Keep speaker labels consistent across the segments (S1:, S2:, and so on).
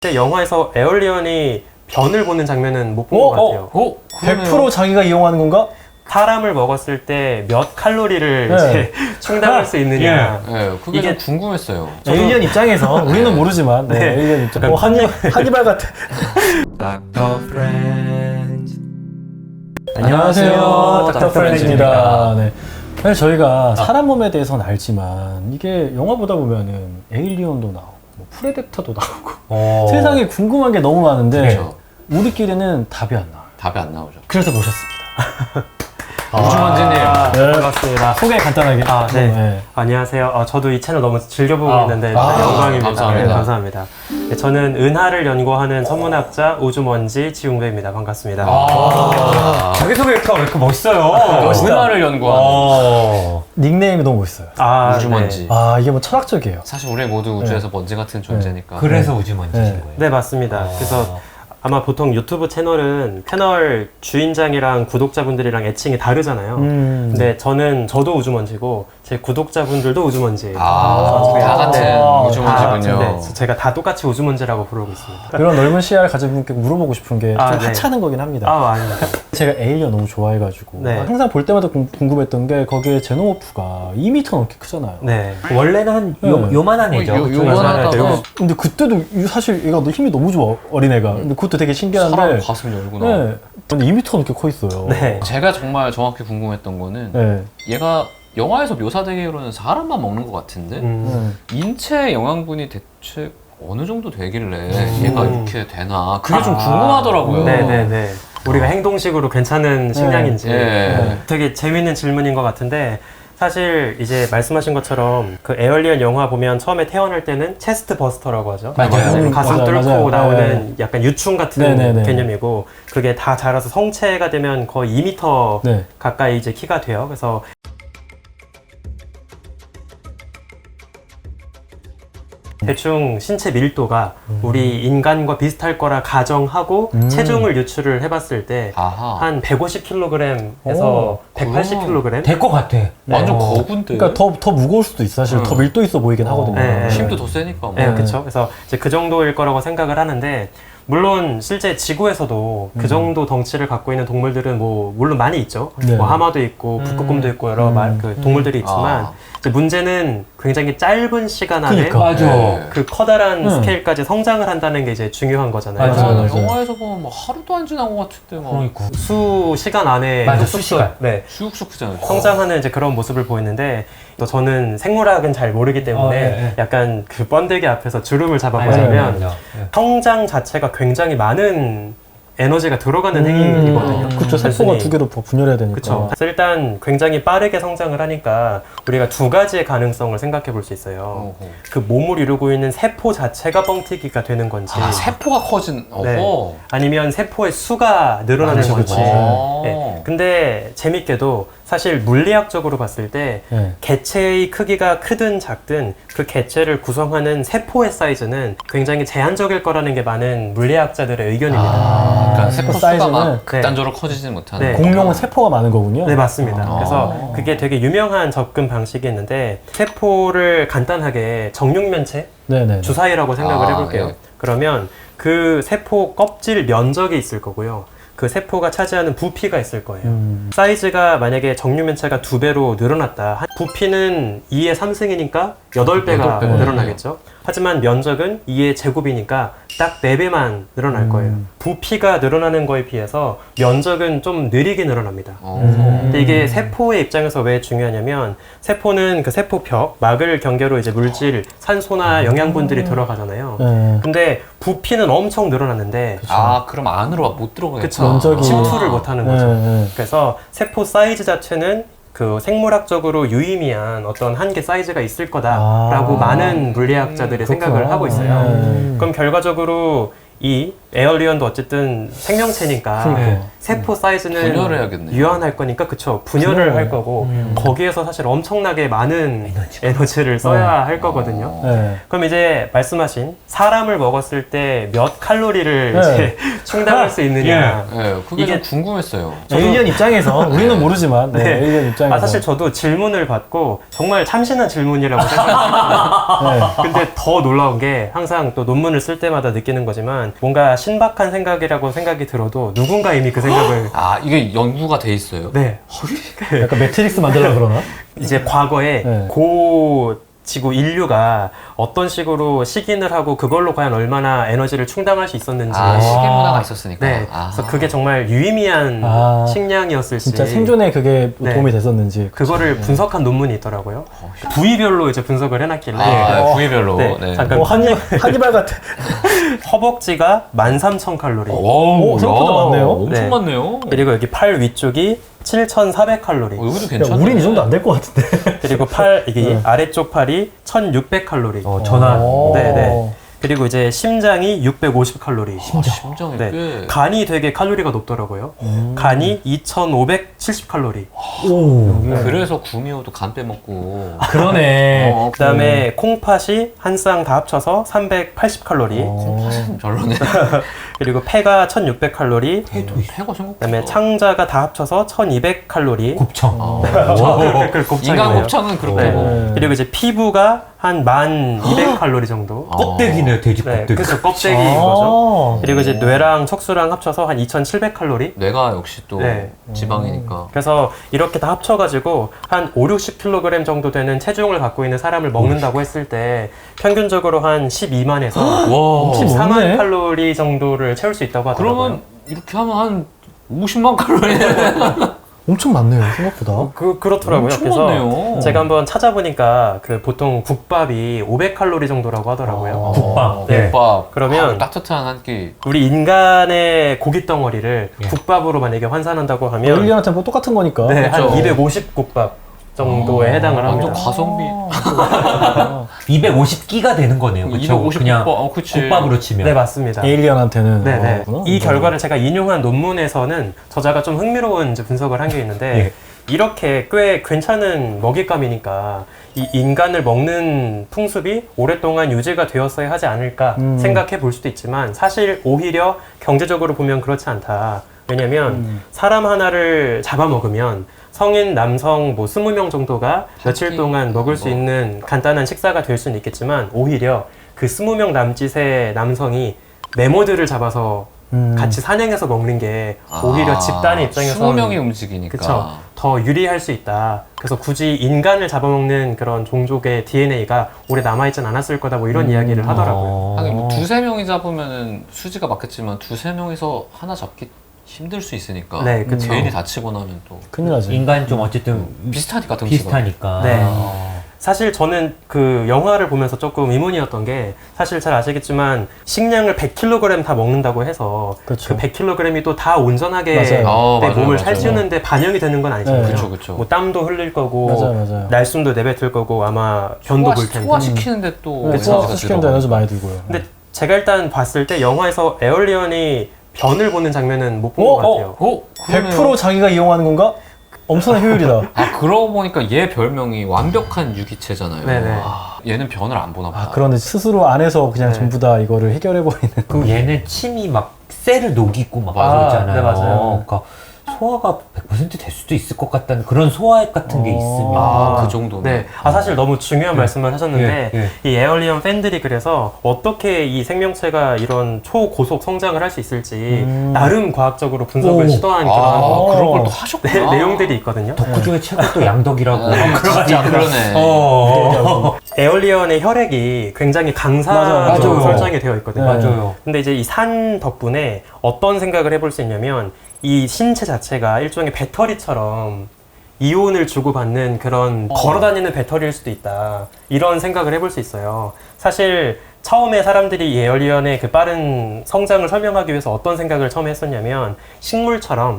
S1: 영화에서 에얼리언이 변을 보는 장면은 못 본 것 같아요.
S2: 100% 자기가 이용하는 건가?
S1: 사람을 먹었을 때 몇 칼로리를
S2: 네.
S1: 이제 충당할 수 있느냐.
S3: 네, 그게
S1: 이게
S3: 좀 궁금했어요.
S2: 에일리언 입장에서 우리는 모르지만
S1: 네.
S2: 에일리언 입장. 한니발 같아. 안녕하세요, 닥터 프렌즈입니다. 네. 사실 저희가 사람 몸에 대해서는 알지만 이게 영화 보다 보면은 에일리언도 나오고 뭐 프레데터도 나오고 세상에 궁금한 게 너무 많은데
S3: 그렇죠.
S2: 우리끼리는 답이 안 나와요.
S3: 답이 안 나오죠.
S2: 그래서 모셨습니다.
S3: 우주먼지님.
S2: 네.
S1: 반갑습니다.
S2: 소개 간단하게.
S1: 네. 안녕하세요. 저도 이 채널 너무 즐겨보고 있는데 영광입니다.
S3: 감사합니다.
S1: 네, 감사합니다. 네, 저는 은하를 연구하는 천문학자 우주먼지 지웅배입니다. 반갑습니다.
S4: 자기소개가 왜 이렇게 멋있어요?
S3: 은하를 연구하는
S2: 닉네임이 너무 멋있어요.
S3: 우주먼지.
S2: 이게 뭐 철학적이에요.
S3: 사실 우리 모두 우주에서 먼지 같은 존재니까.
S4: 그래서 우주먼지신
S2: 네.
S4: 거예요?
S1: 네, 맞습니다. 그래서 아마 보통 유튜브 채널은 채널 주인장이랑 구독자분들이랑 애칭이 다르잖아요. 근데 저도 우주먼지고 제 구독자분들도 우주먼지예요.
S3: 다 같은 우주먼지군요.
S1: 네, 제가 다 똑같이 우주먼지라고 부르고 있습니다.
S2: 그런 넓은 시야를 가진 분께 물어보고 싶은 게 좀
S1: 네.
S2: 하찮은 거긴 합니다.
S1: 아닙니다.
S2: 제가 에일리언 너무 좋아해가지고
S1: 네.
S2: 항상 볼 때마다 궁금했던 게 거기에 제노모프가 2m 넘게 크잖아요.
S1: 네.
S4: 원래는 한 요만한 애죠.
S3: 요만하다가
S2: 근데 그때도 사실 얘가 힘이 너무 좋아, 어린애가. 근데 그것도 되게 신기한데
S3: 사람 가슴 열구나.
S2: 네. 근데 2m 넘게 커 있어요.
S1: 네.
S3: 제가 정말 정확히 궁금했던 거는
S2: 네.
S3: 얘가 영화에서 묘사되기로는 사람만 먹는 것 같은데 인체 영양분이 대체 어느 정도 되길래 얘가 이렇게 되나 그게 좀 궁금하더라고요.
S1: 네네네. 우리가 행동식으로 괜찮은 식량인지
S3: 네.
S1: 되게 재밌는 질문인 것 같은데 사실 이제 말씀하신 것처럼 그 에얼리언 영화 보면 처음에 태어날 때는 체스트 버스터라고 하죠.
S4: 맞아요.
S1: 가슴
S2: 맞아요,
S1: 뚫고
S2: 맞아요.
S1: 나오는 약간 유충 같은
S2: 네네네.
S1: 개념이고 그게 다 자라서 성체가 되면 거의 2m
S2: 네.
S1: 가까이 이제 키가 돼요. 그래서 대충 신체 밀도가 우리 인간과 비슷할 거라 가정하고 체중을 유출을 해봤을 때
S3: 아하.
S1: 한 150kg에서 180kg?
S4: 될 것 같아.
S3: 완전 거군데.
S2: 그러니까 더 무거울 수도 있어. 사실 더 밀도 있어 보이긴 하거든요.
S1: 네.
S3: 힘도 더 세니까. 뭐.
S1: 네, 그렇죠. 그래서 이제 그 정도일 거라고 생각을 하는데 물론 실제 지구에서도 그 정도 덩치를 갖고 있는 동물들은 뭐 물론 많이 있죠.
S2: 네.
S1: 뭐 하마도 있고 북극곰도 있고 여러 그 동물들이 있지만 이제 문제는 굉장히 짧은 시간 안에
S2: 그러니까.
S4: 맞아.
S1: 그 커다란 스케일까지 성장을 한다는 게 이제 중요한 거잖아요.
S2: 맞아요.
S3: 영화에서 보면 뭐 하루도 안 지난 것 같을 때 막
S4: 그러니까.
S1: 수 시간 안에
S4: 맞아,
S1: 쑥쑥,
S4: 수시간.
S1: 네,
S3: 쑥쑥 크잖아요.
S1: 성장하는 이제 그런 모습을 보이는데 또 저는 생물학은 잘 모르기 때문에
S4: 네.
S1: 약간 그 번데기 앞에서 주름을 잡아보자면
S4: 네.
S1: 성장 자체가 굉장히 많은 에너지가 들어가는 행위거든요.
S2: 그렇죠. 세포가 두 개로 분열해야 되니까.
S1: 그렇죠. 그래서 일단 굉장히 빠르게 성장을 하니까 우리가 두 가지의 가능성을 생각해 볼 수 있어요. 그 몸을 이루고 있는 세포 자체가 뻥튀기가 되는 건지
S3: 세포가 커진.
S1: 네. 아니면 세포의 수가 늘어나는 건지. 네. 근데 재밌게도 사실 물리학적으로 봤을 때
S2: 네.
S1: 개체의 크기가 크든 작든 그 개체를 구성하는 세포의 사이즈는 굉장히 제한적일 거라는 게 많은 물리학자들의 의견입니다.
S3: 그러니까 세포 수가
S2: 사이즈는
S3: 막 극단적으로 커지지는 못하는.
S1: 네.
S2: 공룡은 세포가 많은 거군요.
S1: 네, 맞습니다. 그래서 그게 되게 유명한 접근 방식이 있는데 세포를 간단하게 정육면체
S2: 네네.
S1: 주사위라고 생각을 해볼게요.
S3: 예.
S1: 그러면 그 세포 껍질 면적이 있을 거고요. 그 세포가 차지하는 부피가 있을 거예요. 사이즈가 만약에 정육면체가 2배로 늘어났다. 부피는 2의 3승이니까 8배가
S3: 8배.
S1: 늘어나겠죠. 하지만 면적은 2의 제곱이니까 딱 4배만 늘어날 거예요. 부피가 늘어나는 거에 비해서 면적은 좀 느리게 늘어납니다. 근데 이게 세포의 입장에서 왜 중요하냐면 세포는 그 세포벽, 막을 경계로 이제 물질, 산소나 영양분들이 들어가잖아요.
S2: 네.
S1: 근데 부피는 엄청 늘어났는데
S3: 그럼 안으로 못 들어가겠다.
S1: 그쵸.
S2: 면적이-
S1: 침투를 못하는 거죠.
S2: 네.
S1: 그래서 세포 사이즈 자체는 그 생물학적으로 유의미한 어떤 한계 사이즈가 있을 거다라고 많은 물리학자들이 생각을 하고 있어요. 그럼 결과적으로 이 에얼리언도 어쨌든 생명체니까
S2: 그러니까.
S1: 세포 사이즈는
S3: 분열을 해야겠네요.
S1: 유한할 거니까 그쵸 분열을
S2: 분열.
S1: 할 거고 거기에서 사실 엄청나게 많은 에너지를 써야 할 거거든요.
S2: 네.
S1: 그럼 이제 말씀하신 사람을 먹었을 때 몇 칼로리를
S2: 네.
S1: 이제 충당할 수 있느냐.
S3: 네, 그게
S1: 이게-
S3: 좀 궁금했어요.
S2: 에일리언 입장에서 우리는 모르지만 네,
S1: 네.
S2: 에일리언 입장에서
S1: 사실 저도 질문을 받고 정말 참신한 질문이라고 생각합니다.
S2: 네.
S1: 근데 더 놀라운 게 항상 또 논문을 쓸 때마다 느끼는 거지만 뭔가 신박한 생각이라고 생각이 들어도 누군가 이미 그 생각을
S3: 아, 이게 연구가 돼 있어요?
S1: 네
S2: 약간 매트릭스 만들려고 그러나?
S1: 이제 과거에
S2: 네.
S1: 지구 인류가 어떤 식으로 식인을 하고 그걸로 과연 얼마나 에너지를 충당할 수 있었는지
S3: 아, 시계 문화가 있었으니까.
S1: 네,
S3: 아.
S1: 그래서 그게 정말 유의미한
S2: 아,
S1: 식량이었을지
S2: 진짜 생존에 그게
S1: 네.
S2: 도움이 됐었는지.
S1: 그거를 분석한 논문이 있더라고요. 부위별로 이제 분석을 해놨길래
S3: 아, 부위별로.
S1: 네,
S3: 네.
S1: 잠깐
S2: 한니발 같아.
S1: 허벅지가 13,000칼로리
S3: 오,
S2: 생각보다
S3: 야,
S2: 많네요.
S3: 엄청
S1: 네.
S3: 많네요.
S1: 그리고 여기 팔 위쪽이 7,400칼로리
S3: 여기도
S2: 야,
S3: 괜찮네.
S2: 우린 이 정도 안 될 것 같은데.
S1: 그리고 이게 아래쪽 팔이 1,600칼로리
S4: 전화.
S1: 네, 네. 그리고 이제 심장이 650칼로리
S3: 심장이
S1: 네.
S3: 꽤.
S1: 간이 되게 칼로리가 높더라고요. 간이 2,570칼로리
S2: 오.
S3: 그래서 구미호도 간 빼먹고.
S2: 그러네.
S1: 그다음에 콩팥이 한 쌍 다 합쳐서 380칼로리
S3: 별로네.
S1: 그리고 폐가 1,600칼로리
S3: 폐가 생각보다.
S1: 그다음에 창자가 다 합쳐서 1,200칼로리
S4: 곱창.
S1: 그 곱창이네요.
S3: 인간 곱창은 그렇고.
S2: 네.
S1: 그리고 이제 피부가 한 1,200칼로리 정도.
S4: 껍데기네요, 돼지
S1: 네,
S4: 껍데기.
S1: 그래서 껍데기인 거죠.
S2: 아.
S1: 그리고 이제 뇌랑 척수랑 합쳐서 한 2,700칼로리.
S3: 뇌가 역시 또
S1: 네.
S3: 지방이니까.
S1: 그래서 이렇게 다 합쳐가지고 한 5, 60kg 정도 되는 체중을 갖고 있는 사람을 먹는다고 했을 때 평균적으로 한 12만에서
S3: 와.
S1: 14만
S2: 먹네.
S1: 칼로리 정도를 채울 수 있다고 하더라고요.
S3: 그러면 이렇게 하면 한 50만 칼로리.
S2: 엄청 많네요, 생각보다.
S1: 그렇더라고요.
S3: 엄청
S1: 그래서
S3: 많네요.
S1: 제가 한번 찾아보니까 그 보통 국밥이 500칼로리 정도라고 하더라고요.
S4: 국밥.
S1: 네.
S3: 국밥.
S1: 그러면
S3: 따뜻한 한 끼.
S1: 우리 인간의 고기 덩어리를 국밥으로 만약에 환산한다고 하면
S2: 에일리언한테 뭐 똑같은 거니까.
S1: 네, 한
S3: 그렇죠.
S1: 250 국밥 정도에 해당을 합니다.
S3: 완전 가성비.
S4: 250끼가 되는 거네요. 그렇죠?
S3: 250
S4: 그냥
S3: 국밥. 그치.
S4: 국밥으로 치면.
S1: 네, 맞습니다.
S2: 에일리언한테는.
S1: 네네.
S2: 그렇구나.
S1: 이 결과를 제가 인용한 논문에서는 저자가 좀 흥미로운 이제 분석을 한 게 있는데 이렇게 꽤 괜찮은 먹잇감이니까 이 인간을 먹는 풍습이 오랫동안 유지가 되었어야 하지 않을까 생각해 볼 수도 있지만 사실 오히려 경제적으로 보면 그렇지 않다. 왜냐면 사람 하나를 잡아먹으면 성인 남성 뭐 20명 정도가 며칠
S3: 끼?
S1: 동안 먹을 수 있는 간단한 식사가 될 수는 있겠지만 오히려 그 20명 남짓의 남성이 메모들을 잡아서 같이 사냥해서 먹는 게 오히려 집단의 입장에서
S3: 20명이 움직이니까.
S1: 그쵸, 더 유리할 수 있다. 그래서 굳이 인간을 잡아먹는 그런 종족의 DNA가 오래 남아있진 않았을 거다 뭐 이런 이야기를 하더라고요.
S3: 하긴 뭐 두세 명이 잡으면은 수지가 맞겠지만 두세 명이서 하나 잡기 힘들 수 있으니까.
S1: 네, 그쵸.
S3: 개인이 다치고 나면 또
S2: 큰일 나지.
S4: 인간 좀 어쨌든
S3: 비슷하니까 등치가.
S4: 비슷하니까.
S1: 네. 사실 저는 그 영화를 보면서 조금 의문이었던 게 사실 잘 아시겠지만 식량을 100kg 다 먹는다고 해서
S2: 그쵸.
S1: 그 100kg이 또 다 온전하게
S2: 맞아요.
S1: 내
S3: 맞아요,
S1: 몸을
S3: 맞아요.
S1: 살찌우는데 반영이 되는 건 아니잖아요.
S2: 네.
S3: 그쵸.
S1: 뭐 땀도 흘릴 거고
S2: 맞아요.
S1: 날숨도 내뱉을 거고 아마 변도 볼 텐데.
S3: 소화시키는데 또
S2: 네,
S3: 에너지가
S2: 시키는데 에너지 많이 들고요.
S1: 근데 제가 일단 봤을 때 영화에서 에얼리언이 변을 보는 장면은 못 본 것 같아요.
S2: 100% 자기가 이용하는 건가? 엄청난 효율이다.
S3: 아, 그러고 보니까 얘 별명이 완벽한 유기체잖아요.
S1: 네네.
S3: 아, 얘는 변을 안 보나 보다.
S2: 아, 그런데 스스로 안에서 그냥
S1: 네.
S2: 전부 다 이거를 해결해버리는.
S4: 그 얘는 침이 막 쇠를 녹이고 막
S1: 아,
S4: 그러잖아요.
S1: 네, 맞아요.
S4: 그러니까 소화가 100% 될 수도 있을 것 같다는 그런 소화액 같은 게 있으면.
S3: 아, 그 정도면.
S1: 네. 사실 너무 중요한 말씀을 하셨는데
S4: 예,
S1: 이 에얼리언 팬들이 그래서 어떻게 이 생명체가 이런 초고속 성장을 할 수 있을지 나름 과학적으로 분석을
S4: 오.
S1: 시도한
S3: 아,
S1: 그런
S3: 그런 걸 또 하셨구나.
S1: 내용들이 있거든요.
S4: 덕후 중에 최고 또 양덕이라고.
S3: 진짜 그러네.
S1: 에얼리언의 혈액이 굉장히 강사로
S2: 맞아요.
S1: 설정이 되어 있거든요.
S2: 네.
S4: 맞아요.
S1: 근데 이제 이 산 덕분에 어떤 생각을 해볼 수 있냐면 이 신체 자체가 일종의 배터리처럼 이온을 주고받는 그런 걸어다니는 배터리일 수도 있다. 이런 생각을 해볼 수 있어요. 사실 처음에 사람들이 이 에얼리언의 그 빠른 성장을 설명하기 위해서 어떤 생각을 처음에 했었냐면 식물처럼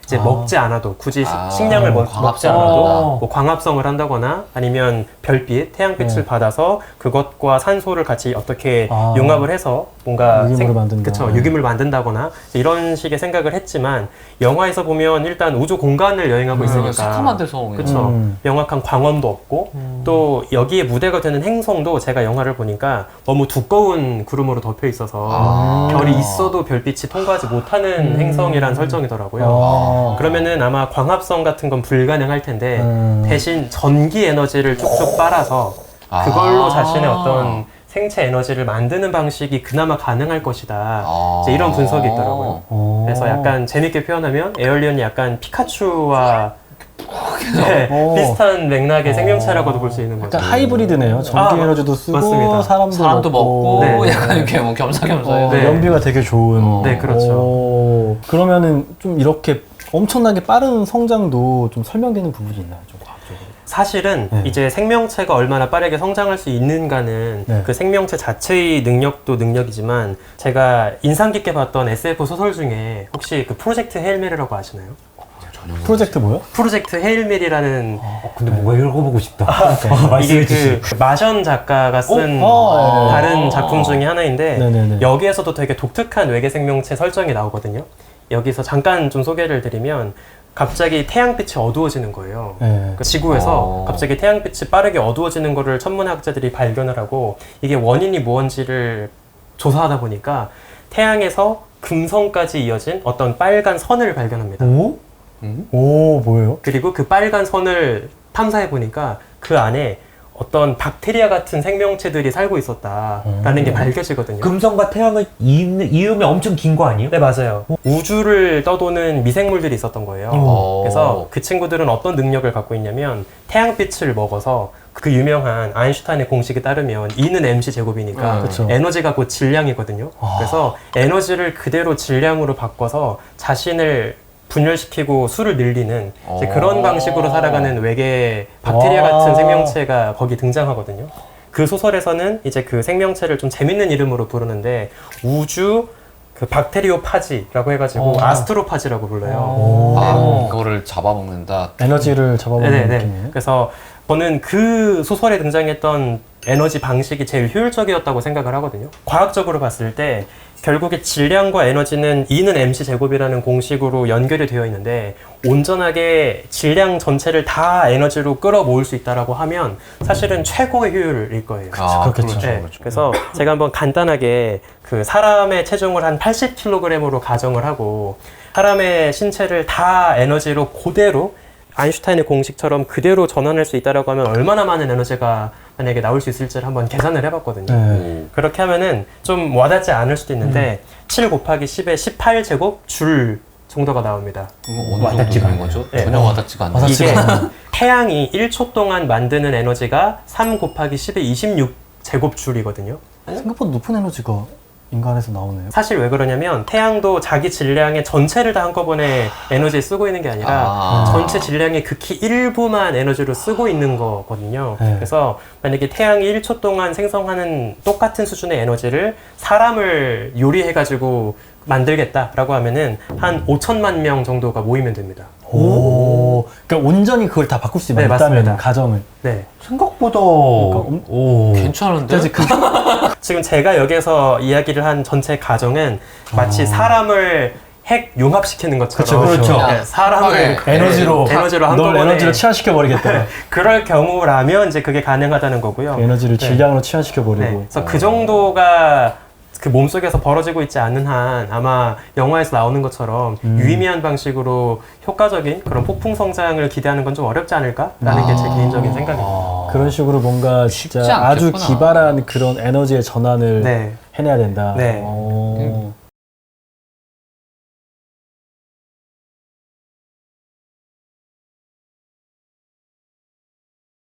S1: 이제 먹지 않아도 굳이 식량을 먹지
S3: 광합성을
S1: 않아도
S3: 한다.
S1: 뭐 광합성을 한다거나 아니면 별빛, 태양빛을 받아서 그것과 산소를 같이 어떻게 융합을 해서 뭔가
S2: 유기물을 만든다.
S1: 그쵸, 유기물을 만든다거나 이런 식의 생각을 했지만 영화에서 보면 일단 우주 공간을 여행하고 있으니까
S3: 새카만 데서
S1: 그쵸. 명확한 광원도 없고 또 여기에 무대가 되는 행성도 제가 영화를 보니까 너무 두꺼운 구름으로 덮여 있어서 별이 있어도 별빛이 통과하지 못하는 행성이란 설정이더라고요. 그러면은 아마 광합성 같은 건 불가능할 텐데 대신 전기 에너지를 쭉쭉 빨아서 그걸로 자신의 어떤 생체 에너지를 만드는 방식이 그나마 가능할 것이다. 이제 이런 분석이 있더라고요. 그래서 약간 재밌게 표현하면 에얼리언이 약간 피카츄와 네, 비슷한 맥락의 생명체라고도 볼 수 있는 거죠.
S2: 약간 하이브리드네요. 전기 에너지도 쓰고
S1: 맞습니다.
S3: 사람도 먹고
S1: 네.
S3: 약간 이렇게 뭐 겸사겸사.
S1: 네.
S2: 연비가 되게 좋은.
S1: 네, 그렇죠.
S2: 그러면은 좀 이렇게 엄청나게 빠른 성장도 좀 설명되는 부분이 있나요? 좀 과학적으로.
S1: 사실은
S2: 네.
S1: 이제 생명체가 얼마나 빠르게 성장할 수 있는가는
S2: 네.
S1: 그 생명체 자체의 능력도 능력이지만 제가 인상 깊게 봤던 SF 소설 중에 혹시 그 프로젝트 헤일메리라고 아시나요?
S2: 프로젝트 뭐요?
S1: 프로젝트 헤일메리라는
S4: 근데 뭔가 읽어보고 싶다.
S1: 이게
S4: 말씀해 주시죠.
S1: 그 마션 작가가 쓴
S2: 네.
S1: 다른 작품 중에 하나인데
S2: 네네네.
S1: 여기에서도 되게 독특한 외계 생명체 설정이 나오거든요. 여기서 잠깐 좀 소개를 드리면 갑자기 태양빛이 어두워지는 거예요.
S2: 네.
S1: 그 지구에서 갑자기 태양빛이 빠르게 어두워지는 거를 천문학자들이 발견을 하고 이게 원인이 무언지를 조사하다 보니까 태양에서 금성까지 이어진 어떤 빨간 선을 발견합니다.
S2: 오, 뭐예요?
S1: 그리고 그 빨간 선을 탐사해 보니까 그 안에 어떤 박테리아 같은 생명체들이 살고 있었다라는 게 밝혀지거든요.
S4: 금성과 태양을 이으면 엄청 긴 거 아니에요?
S1: 네, 맞아요. 우주를 떠도는 미생물들이 있었던 거예요. 그래서 그 친구들은 어떤 능력을 갖고 있냐면 태양빛을 먹어서 그 유명한 아인슈타인의 공식에 따르면 E는 MC 제곱이니까
S2: 그쵸.
S1: 에너지가 곧 질량이거든요. 그래서 에너지를 그대로 질량으로 바꿔서 자신을 분열시키고 수를 늘리는 이제 그런 방식으로 살아가는 외계 박테리아 같은 생명체가 거기 등장하거든요. 그 소설에서는 이제 그 생명체를 좀 재밌는 이름으로 부르는데 우주 그 박테리오파지라고 해가지고 아스트로파지라고 불러요.
S3: 그거를 잡아먹는다.
S2: 에너지를 잡아먹는
S1: 네네네.
S2: 느낌이에요.
S1: 그래서 저는 그 소설에 등장했던 에너지 방식이 제일 효율적이었다고 생각을 하거든요. 과학적으로 봤을 때 결국에 질량과 에너지는 E는 MC 제곱이라는 공식으로 연결이 되어 있는데 온전하게 질량 전체를 다 에너지로 끌어모을 수 있다라고 하면 사실은 최고의 효율일 거예요.
S2: 그렇겠죠.
S1: 네, 그래서 제가 한번 간단하게 그 사람의 체중을 한 80kg으로 가정을 하고 사람의 신체를 다 에너지로 그대로 아인슈타인의 공식처럼 그대로 전환할 수 있다라고 하면 얼마나 많은 에너지가 만약에 나올 수 있을지를 한번 계산을 해봤거든요.
S2: 네.
S1: 그렇게 하면은 좀 와닿지 않을 수도 있는데 7 곱하기 10의 18제곱 줄 정도가 나옵니다.
S3: 그거 어느 정도 되는 거죠?
S1: 네.
S3: 전혀 와닿지가 않네.
S1: 이게 태양이 1초 동안 만드는 에너지가 3 곱하기 10의 26제곱줄이거든요.
S2: 생각보다 높은 에너지가 인간에서 나오네요.
S1: 사실 왜 그러냐면 태양도 자기 질량의 전체를 다 한꺼번에 에너지에 쓰고 있는 게 아니라 전체 질량의 극히 일부만 에너지로 쓰고 있는 거거든요.
S2: 네.
S1: 그래서 만약에 태양이 1초 동안 생성하는 똑같은 수준의 에너지를 사람을 요리해가지고 만들겠다라고 하면은 한 5천만 명 정도가 모이면 됩니다.
S2: 오. 그러니까 온전히 그걸 다 바꿀 수
S1: 네,
S2: 있다면
S1: 맞습니다.
S2: 가정을.
S1: 네.
S4: 생각보다
S3: 괜찮은데?
S1: 지금 제가 여기서 이야기를 한 전체 가정은 마치 사람을 핵 용합시키는 것처럼
S2: 그렇죠.
S1: 네, 사람을
S2: 에너지로
S1: 에너지로
S2: 널
S1: 한꺼번에
S2: 에너지로 치환시켜 버리겠다.
S1: 그럴 경우라면 이제 그게 가능하다는 거고요.
S2: 에너지를
S1: 네.
S2: 질량으로 치환시켜 버리고.
S1: 네. 그래서 그 정도가 그 몸속에서 벌어지고 있지 않은 한 아마 영화에서 나오는 것처럼 유의미한 방식으로 효과적인 그런 폭풍 성장을 기대하는 건 좀 어렵지 않을까라는 게 제 개인적인 생각입니다.
S2: 그런 식으로 뭔가 진짜 아주
S3: 않겠구나.
S2: 기발한 그런 에너지의 전환을
S1: 네.
S2: 해내야 된다.
S1: 네.